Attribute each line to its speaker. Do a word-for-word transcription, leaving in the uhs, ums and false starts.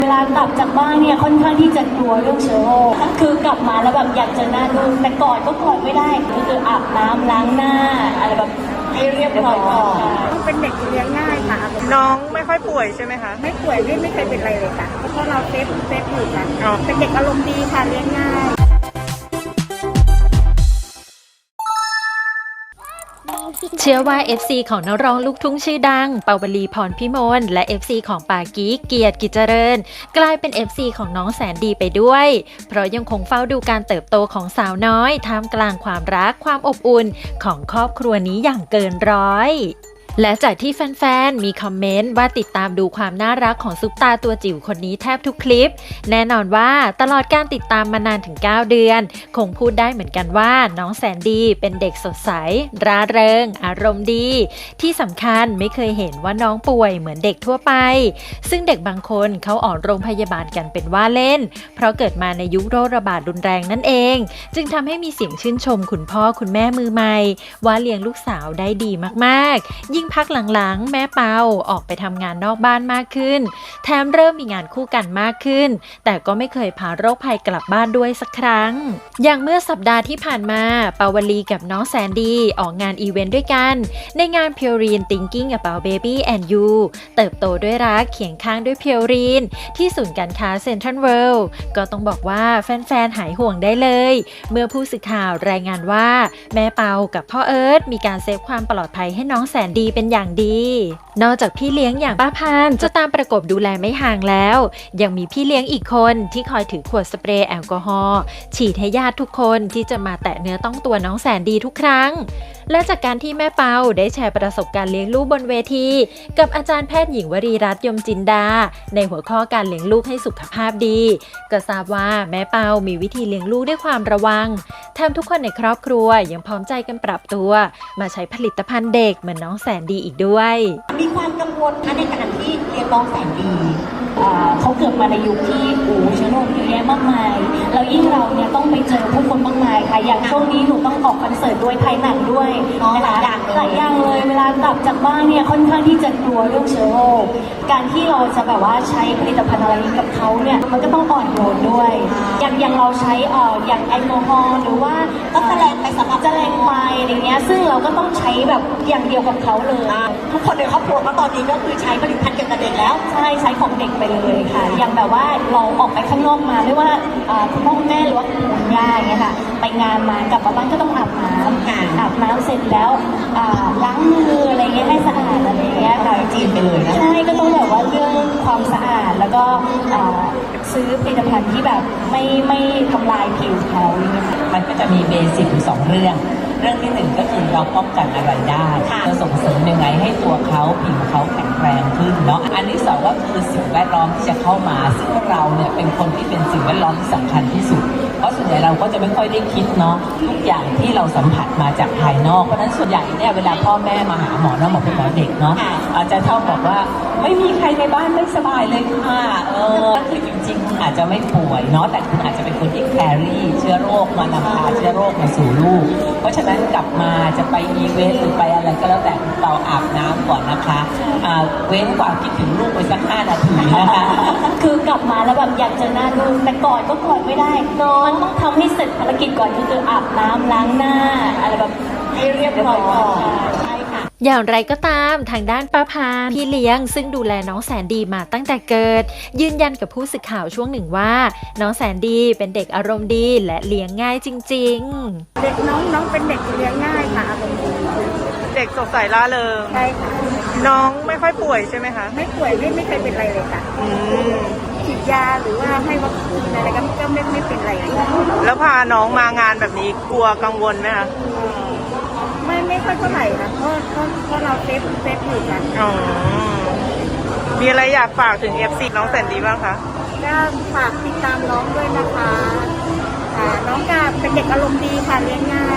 Speaker 1: เวลากลับจากบ้านเนี่ยค่อนข้างที่จะกลัวเรื่องเชื้อโรคคือกลับมาแล้วแบบอยากเจอหน้าลูกแต่กอดก็กอดไม่ได้ก็คืออาบน้ำล้างหน้าอะไรแบบให้เรียบร้อยก่อน
Speaker 2: เป็นเด็กเลี้ยงง่ายค่ะ
Speaker 3: น้องไม่ค่อยป่วยใช่ไหมคะ
Speaker 2: ไม่ป่วยไม่ไม่เคยเป็นอะไรเลยค่ะเพราะเราเซฟเซฟอยู่กันเป็นเด็กอารมณ์ดีค่ะเลี้ยงง่าย
Speaker 4: เชื่อว่า เอฟ ซี ของนักร้องลูกทุ่งชื่อดังปาวลีพรพิมลและ เอฟ ซี ของปากิ๊กเกียรติกิจเจริญกลายเป็น เอฟ ซี ของน้องแสนดีไปด้วยเพราะยังคงเฝ้าดูการเติบโตของสาวน้อยท่ามกลางความรักความอบอุ่นของครอบครัวนี้อย่างเกินร้อยและจากที่แฟนๆมีคอมเมนต์ว่าติดตามดูความน่ารักของซุปตาตัวจิ๋วคนนี้แทบทุกคลิปแน่นอนว่าตลอดการติดตามมานานถึงเก้าเดือนคงพูดได้เหมือนกันว่าน้องแสนดีเป็นเด็กสดใสร่าเริงอารมณ์ดีที่สำคัญไม่เคยเห็นว่าน้องป่วยเหมือนเด็กทั่วไปซึ่งเด็กบางคนเขาออกโรงพยาบาลกันเป็นว่าเล่นเพราะเกิดมาในยุคโรคระบาดรุนแรงนั่นเองจึงทำให้มีเสียงชื่นชมคุณพ่อคุณแม่มือใหม่ว่าเลี้ยงลูกสาวได้ดีมากๆยิ่งพักหลังๆแม่เปาออกไปทำงานนอกบ้านมากขึ้นแถมเริ่มมีงานคู่กันมากขึ้นแต่ก็ไม่เคยพาโรคภัยกลับบ้านด้วยสักครั้งอย่างเมื่อสัปดาห์ที่ผ่านมาปาวลีกับน้องแสนดีออกงานอีเวนต์ด้วยกันในงาน Purine Thinking About Baby and You เติบโตด้วยรักเคียงข้างด้วย Purine ที่ศูนย์การค้าเซ็นทรัลเวิลด์ก็ต้องบอกว่าแฟนๆหายห่วงได้เลยเมื่อผู้สื่อข่าวรายงานว่าแม่เปากับพ่อเอิร์ธมีการเซฟความปลอดภัยให้น้องแสนดีเป็นอย่างดีนอกจากพี่เลี้ยงอย่างป้าพานจะตามประกบดูแลไม่ห่างแล้วยังมีพี่เลี้ยงอีกคนที่คอยถือขวดสเปรย์แอลกอฮอล์ฉีดให้ญาติทุกคนที่จะมาแตะเนื้อต้องตัวน้องแสนดีทุกครั้งและจากการที่แม่เปาได้แชร์ประสบการณ์เลี้ยงลูกบนเวทีกับอาจารย์แพทย์หญิงวรีรัตน์ยมจินดาในหัวข้อการเลี้ยงลูกให้สุขภาพดีก็ทราบว่าแม่เปามีวิธีเลี้ยงลูกด้วยความระวังแถมทุกคนในครอบครัวยังพร้อมใจกันปรับตัวมาใช้ผลิตภัณฑ์เด็กเหมือนน้องแสนดีอีกด้วย
Speaker 1: มีความกังวลนะในการที่เลี้ยงน้องแสนดีเขาเกิดมาในยุคที่โอ้เชื้อโรคเยอะแยะมากมายแล้วยิ่งเราเนี่ยต้องไปเจอผู้คนมากมายค่ะอย่างช่วงนี้หนูต้องออกคอนเสิร์ตด้วยถ่ายหนังด้วยนะคะหลายอย่างเลยเวลากลับจากบ้านเนี่ยค่อนข้างที่จะกลัวเรื่องเชื้อโรคการที่เราจะแบบว่าใช้ผลิตภัณฑ์อะไรกับเขาเนี่ยมันก็ต้องอ่อนโยนด้วยอย่างอย่างเราใช้เอ่ออย่างแอลกอฮอล์หรือว่าก็จะแรงไปสำหรับจะแรงไปอะไรเงี้ยซึ่งเราก็ต้องใช้แบบอย่างเดียวกับเขาเลยทุกคนในครอบครัวก็ตอนนี้ก็คือใช้ผลิตภัณฑ์เกี่ยวกับเด็กแล้วใช่ใช้ของเด็กไปเลยค่ะอย่างแบบว่าเราออกไปข้างนอกมาไม่ว่าคุณพ่อคุณแม่หรือว่าคุณย่าอย่างเงี้ยค่ะไปงานมากลับมาบ้านก็ต้องอาบน้ำอาบน้ำเสร็จแล้วล้างมืออะไรเงี้ยให้สะอาดอะไรเงี้ยค่ะจีนไปเลยนะใช่ก็ต้องแบบว่าเรื่องความสะอาดแล้วก็ซื้อผลิตภัณฑ์ที่แบบไม่ไม่ทำลายผิวเขาอย่างเงี้ย
Speaker 5: มันก็จะมีเบสิกอยู่สองเรื่องเรื่องที่หนึ่งก็คือเราป้องกันอะไรได้เราส่งเสริมยังไงให้ตัวเขาผิวเขาแข็งแรงขึ้นเนาะอันที่สองก็คือสิ่งแวดล้อมที่จะเข้ามาซึ่งเราเนี่ยเป็นคนที่เป็นสิ่งแวดล้อมที่สำคัญที่สุดเพราะส่วนใหญ่เราก็จะไม่ค่อยได้คิดเนาะทุกอย่างที่เราสัมผัสมาจากภายนอกเพราะฉะนั้นส่วนใหญ่เนี่ยเวลาพ่อแม่มาหาหมอเนาะหมอเป็นหมอเด็กเนาะอาจจะชอบบอกว่าไม่มีใครในบ้านไม่สบายเลยค่ะเออคือจริงๆคุณอาจจะไม่ป่วยเนาะแต่คุณอาจจะเป็นคนที่แครี่เชื้อโรคมานำพาเชื้อโรคมาสู่ลูกเพราะฉะนั้นกลับมาจะไปอีเวนต์หรือไปอะไรก็แล้วแต่เราอาบน้ำก่อนนะคะเว้นกว่าคิดถึงลูกไปสักห้านาทีนะคะ
Speaker 1: คือกลับมาแล้วแบบอยากเจอหน้าลูกแต่กอดก็กอดไม่ได้มันต้องทำให้เสร็จภารกิจก่อนก็คืออาบน้ำล้างหน้าอะไรแบบให้เรียบร้อยก่อนใช่ค่ะ
Speaker 4: อย่างไรก็ตามทางด้านป้าพานพี่เลี้ยงซึ่งดูแลน้องแสนดีมาตั้งแต่เกิดยืนยันกับผู้สื่อข่าวช่วงหนึ่งว่าน้องแสนดีเป็นเด็กอารมณ์ดีและเลี้ยงง่ายจริง
Speaker 2: ๆเด็กน้องน้องเป็นเด็กเลี้ยงง่ายค่ะอารมณ์ดี
Speaker 3: เด็กสดใสร่าเริง
Speaker 2: ใช่ค่ะ
Speaker 3: น้องไม่ค่อยป่วยใช่ไหมคะ
Speaker 2: ไม่ป่วยไม่ไม่เคยเป็นอะไรเลยค่ะฉีดยาหรือว่าให้วัคซีนอะไรก็ก็ไม่ไม่เป็นไร
Speaker 3: แล้วพาน้องมางานแบบนี้กลัวกังวลไหมคะ
Speaker 2: ไม่ไม่ค่อยเท่าไหร่นะเพราะเพราะเพราะเราเซฟเซฟอยู่กัน
Speaker 3: อ๋อมีอะไรอยากฝากถึง เอฟ ซี น้องแสนดีบ้างคะ
Speaker 2: ก็ฝากติดตามน้องด้วยนะคะน้องก็เป็นเด็กอารมณ์ดีค่ะเลี้ยงง่าย